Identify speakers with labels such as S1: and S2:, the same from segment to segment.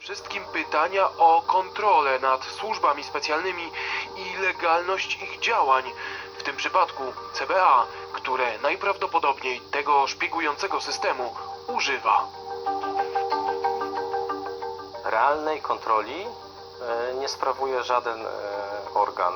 S1: Wszystkim pytania o kontrolę nad służbami specjalnymi i legalność ich działań, w tym przypadku CBA, które najprawdopodobniej tego szpiegującego systemu używa.
S2: Realnej kontroli nie sprawuje żaden organ.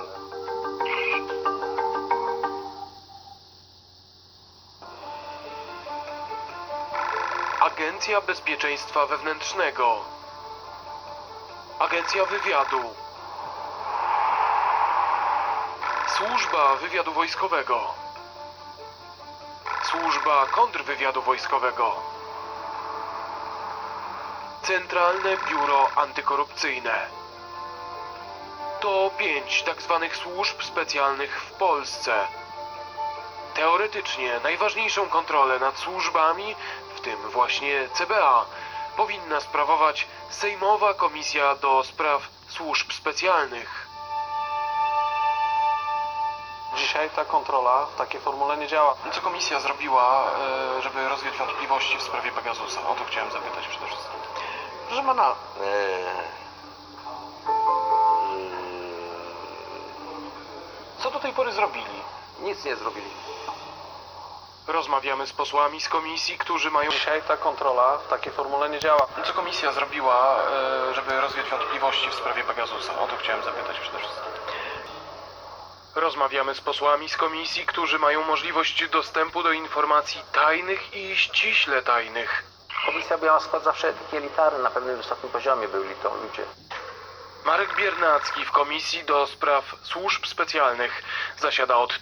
S1: Agencja Bezpieczeństwa Wewnętrznego, Agencja Wywiadu, Służba Wywiadu Wojskowego, Służba Kontrwywiadu Wojskowego, Centralne Biuro Antykorupcyjne. To 5 tzw. służb specjalnych w Polsce. Teoretycznie najważniejszą kontrolę nad służbami, w tym właśnie CBA, powinna sprawować Sejmowa Komisja do Spraw Służb Specjalnych.
S2: Dzisiaj ta kontrola w takiej formule nie działa.
S1: Co komisja zrobiła, żeby rozwiać wątpliwości w sprawie Pegasusa? O to chciałem zapytać przede wszystkim.
S2: Proszę pana,
S1: Co do tej pory zrobili?
S2: nic nie zrobili.
S1: Rozmawiamy z posłami z komisji, którzy mają...
S2: Dzisiaj ta kontrola w takiej formule nie działa.
S1: Co komisja zrobiła, żeby rozwiać wątpliwości w sprawie Pegasusa? O to chciałem zapytać przede wszystkim. Rozmawiamy z posłami z komisji, którzy mają możliwość dostępu do informacji tajnych i ściśle tajnych.
S3: Komisja miała skład zawsze elitarny, na pewnym wysokim poziomie byli to ludzie.
S1: Marek Biernacki w Komisji do Spraw Służb Specjalnych zasiada od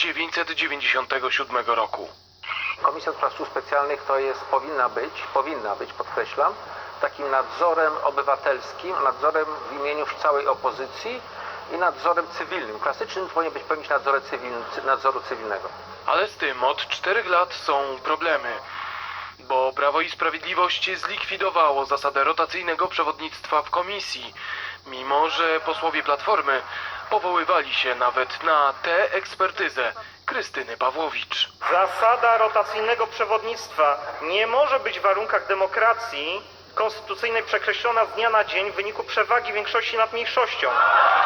S1: 1997 roku.
S3: Komisja do Spraw Służb Specjalnych to jest, powinna być, podkreślam, takim nadzorem obywatelskim, nadzorem w imieniu całej opozycji i nadzorem cywilnym. Klasycznym powinien być pełnić nadzoru cywilnego.
S1: Ale z tym od 4 lat są problemy, bo Prawo i Sprawiedliwość zlikwidowało zasadę rotacyjnego przewodnictwa w komisji, mimo że posłowie Platformy powoływali się nawet na tę ekspertyzę Krystyny Pawłowicz.
S4: Zasada rotacyjnego przewodnictwa nie może być w warunkach demokracji konstytucyjnej przekreślona z dnia na dzień w wyniku przewagi większości nad mniejszością.